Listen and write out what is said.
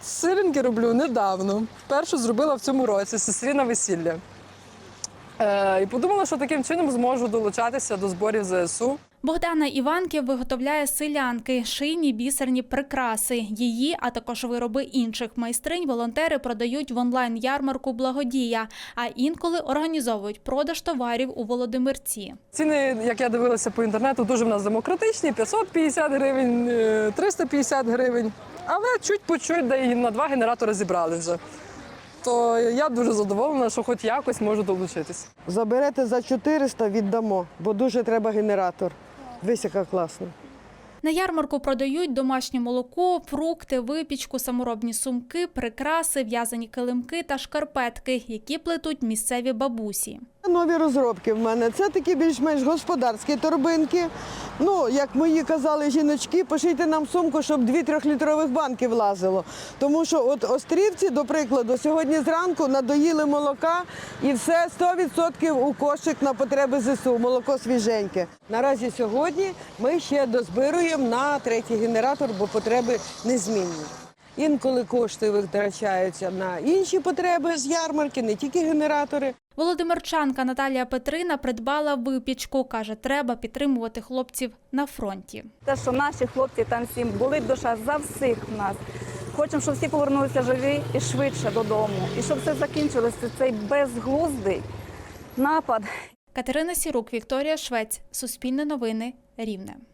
сиренки роблю недавно. Першу зробила в цьому році, сестрі на весілля. І подумала, що таким чином зможу долучатися до зборів ЗСУ. Богдана Іванків виготовляє селянки, шийні бісерні прикраси. Її, а також вироби інших майстринь волонтери продають в онлайн-ярмарку «Благодія», а інколи організовують продаж товарів у Володимирці. Ціни, як я дивилася по інтернету, дуже в нас демократичні – 550 гривень, 350 гривень. Але чуть по чуть, де і на 2 генератори зібрали вже. То я дуже задоволена, що хоч якось можу долучитись. Заберете за 400 – віддамо, бо дуже треба генератор. Дивись, яка класна. На ярмарку продають домашнє молоко, фрукти, випічку, саморобні сумки, прикраси, в'язані килимки та шкарпетки, які плетуть місцеві бабусі. Нові розробки в мене. Це такі більш-менш господарські торбинки. Ну, як мої казали жіночки, пошийте нам сумку, щоб 2-3-літрових банки влазило. Тому що от острівці, до прикладу, сьогодні зранку надоїли молока і все 100% у кошик на потреби ЗСУ, молоко свіженьке. Наразі сьогодні ми ще дозбируємо на 3-й генератор, бо потреби незмінні. Інколи кошти витрачаються на інші потреби з ярмарки, не тільки генератори. Володимирчанка Наталія Петрина придбала випічку. Каже, треба підтримувати хлопців на фронті. Те, що наші хлопці там всім болить душа за всіх нас. Хочемо, щоб всі повернулися живі і швидше додому. І щоб все закінчилося, цей безглуздий напад. Катерина Сірук, Вікторія Швець. Суспільне новини. Рівне.